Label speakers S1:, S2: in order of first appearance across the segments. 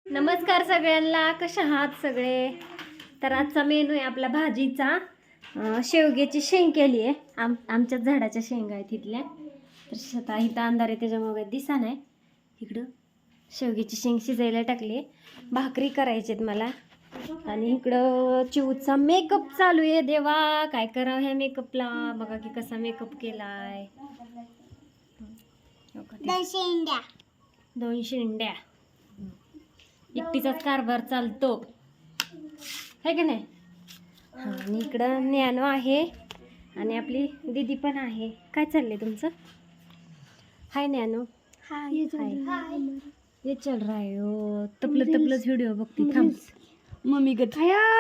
S1: नमस्कार सगळ्यांना, कशा आहात सगळे? तर आजचा मेनू आहे आपला भाजीचा. शेवग्याची शेंग केली आहे. आमच्याच झाडाच्या शेंगा आहेत तिथल्या. तर स्वतः इथं अंधार आहे त्याच्यामुळे दिसा नाही. इकडं शेवग्याची शेंग शिजायला टाकली. भाकरी करायची आहेत मला. आणि इकडं चिवचा मेकअप चालू आहे. देवा काय करावं ह्या मेकअपला, बघा की कसा मेकअप केलाय. 2 शेंड्या एकटीचाच कारभार चालतो है की नाही. हां, आणि इकडं ज्ञानू आहे आणि आपली दीदी पण आहे. काय चाललंय तुमचं? हाय ज्ञानू. हाय ये चल रहा है. ओ तपलंच व्हिडिओ बघते. थांब मम्मी गत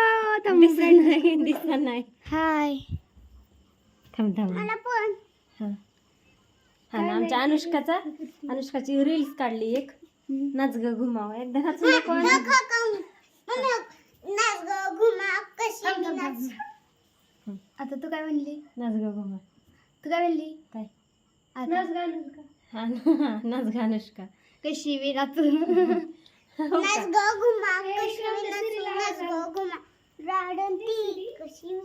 S1: दिसा नाही. हाय थांब हां हां ना, आमच्या अनुष्काची रील्स काढली एक. नाच ग घुमाव एकदा नाच नको.
S2: आता तू काय म्हणली?
S1: नाच ग घुमा.
S2: तू काय म्हणली?
S1: काय
S2: नाच गा अनुष्का.
S1: हा नाच ग अनुष्का.
S2: कशी वी नाचू. नाच ग घुमा कशी नाच ग घुमा राडंती कशी.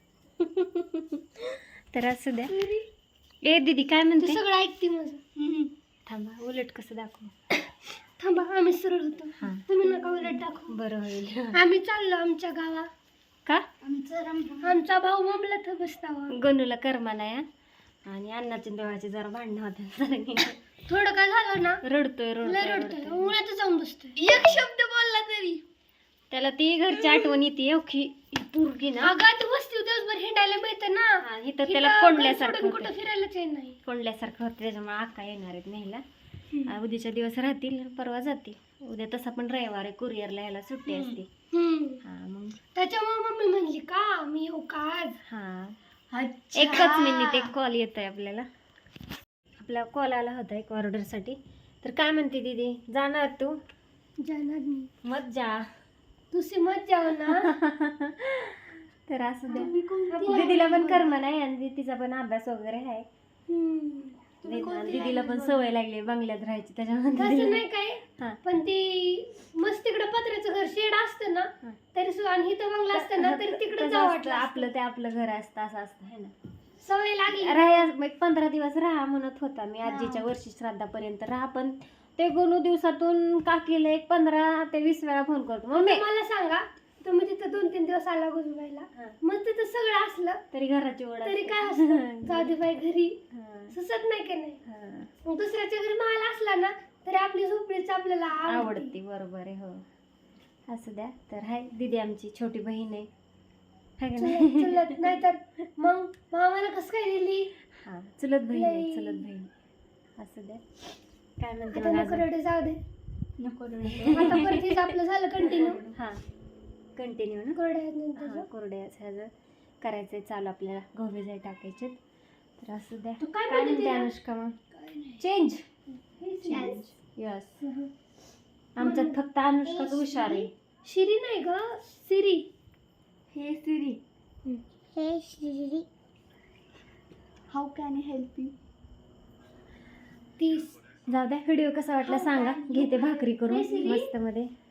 S1: तर असं द्या. ए दीदी काय म्हणते?
S2: सगळं ऐकते माझं.
S1: थांबा उलट कसं दाखवू.
S2: थांबा आम्ही सरळ होतो.
S1: हां
S2: तुम्ही नका उलट दाखवू.
S1: बरं होईल.
S2: आम्ही चाललो आमच्या गावा.
S1: का?
S2: आमचा भाऊ ममला तर बसतावा.
S1: गणूला कर्मा नाही आणि अण्णाच्या देवाचे जरा भांडणं होते.
S2: थोडं काय झालं ना
S1: रडतोय
S2: उन्हात जाऊन बसतोय. एक शब्द बोलला तरी
S1: त्याला ती घरची आठवण येते. ओखी पूर्गी ना
S2: अगं तू बसती दिवसभर हिंडायला मिळतं ना.
S1: इथं त्याला कोंडल्यासारखं
S2: कुठं फिरायलाच येत नाही.
S1: कोंडल्यासारखं होतं त्याच्यामुळे आका येणार आहेत न्यायला. उद्याच्या दिवस राहतील, परवा जातील. उद्या तसा पण रविवार आहे, कुरिअरला यायला सुट्टी असते. हा मग
S2: त्याच्यामुळे मम्मी म्हणली का मी येऊ का आज.
S1: हा एकच मिनिट एक कॉल येत आहे आपल्याला. आपला कॉल आला होता एक ऑर्डरसाठी. तर काय म्हणते दीदी, जाणार तू?
S2: जाणार मी.
S1: मत जा
S2: तुझी मत जाऊ ना.
S1: तर असं द्या. दीदीला पण कर्म नाही आणि तिचा पण अभ्यास वगैरे आहे. दीदीला पण सवय लागली बंगल्यात राहायची त्याच्यामध्ये
S2: नाही काय. पण ती मस्त तिकडे पत्र्याचं घर शेड असतं ना तरी सुद्धा, आणि इथं बंगला असतं ना तरी तिकडे जावं वाटलं.
S1: आपलं ते आपलं घर असतं असं असतं है ना.
S2: सवय लागली.
S1: राहा 15 दिवस राहा म्हणत होता मी. आजीच्या वर्षी श्राद्धापर्यंत राहा. पण ते गोनू दिवसातून काकीला एक 15 ते 20 वेळा फोन करतो. मम्मी
S2: मला सांगा, तुम्ही तिथं 2-3 दिवस आला गुजबायला, मग तिथं सगळं असलं
S1: तरी घराची ओढ
S2: तरी काय असतं. जाऊ दे बाई घरी सुचत नाही की नाही. मग दुसऱ्याच्या घरी माल असला ना तरी आपली झोपडीच आपल्याला
S1: आवडते. बरोबर आहे. हो असं द्या. तर हाय दीदी आमची छोटी बहीण आहे.
S2: चुलत नाही तर मग मामाला कसं काय दिली.
S1: हा चुलत बहीण आहे, चुलत बहीण. असं द्या. काय म्हणते मग?
S2: जाऊ दे नको. आता परत आपलं झालं कंटिन्यू.
S1: हा कंटिन्यू ना. कोरड्याचं करायचंय चालू आपल्याला. गहू जाई टाकायचे. तर असं द्या. काय म्हणते अनुष्का मग? Change yes. आमच्यात फक्त अनुष्काच हुशार आहे.
S2: शिरी नाही ग, सिरी.
S1: Hey Siri.
S2: Hey Siri. How can I help you. 30.
S1: जाऊ द्या. व्हिडिओ कसा वाटला सांगा. घेते भाकरी करून मस्त मध्ये.